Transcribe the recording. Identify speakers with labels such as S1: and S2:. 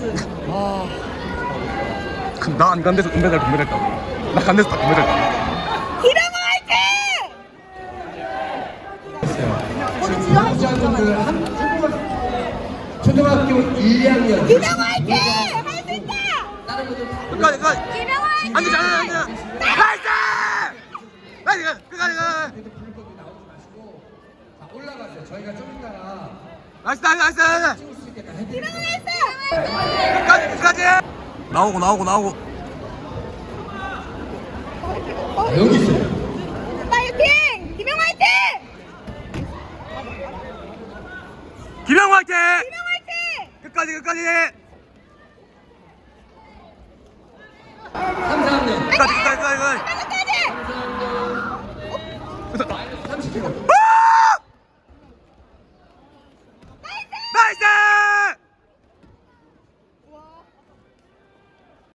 S1: 나 안 간 데서 금메달 했다고. 나 간 데서 다 금메달 했다고.
S2: 기병 화이팅! 우리 진짜 할수 있잖아요.
S3: 초등학교 1, 2학년
S2: 기병 화이팅! 할 수 있다!
S1: 끝까지
S2: 기병 화이팅!
S1: 앉아 나이스! 나이스! 끝까지
S3: 불법이 나오지 마시고 자, 올라가세요. 저희가 좀 이따가
S1: 나이스!
S3: 찍을 수 있게 다
S2: 기병
S3: 해드릴게요.
S2: 나이스!
S1: 끝까지! 나오고
S3: 아, 여기 있어요.
S2: 파이팅! 기병 화이팅!
S1: 기병 화이팅!
S2: 기병 화이팅!
S1: 끝까지
S3: 3, 4학년
S1: 끝까지
S2: 끝까지!
S3: 30kg.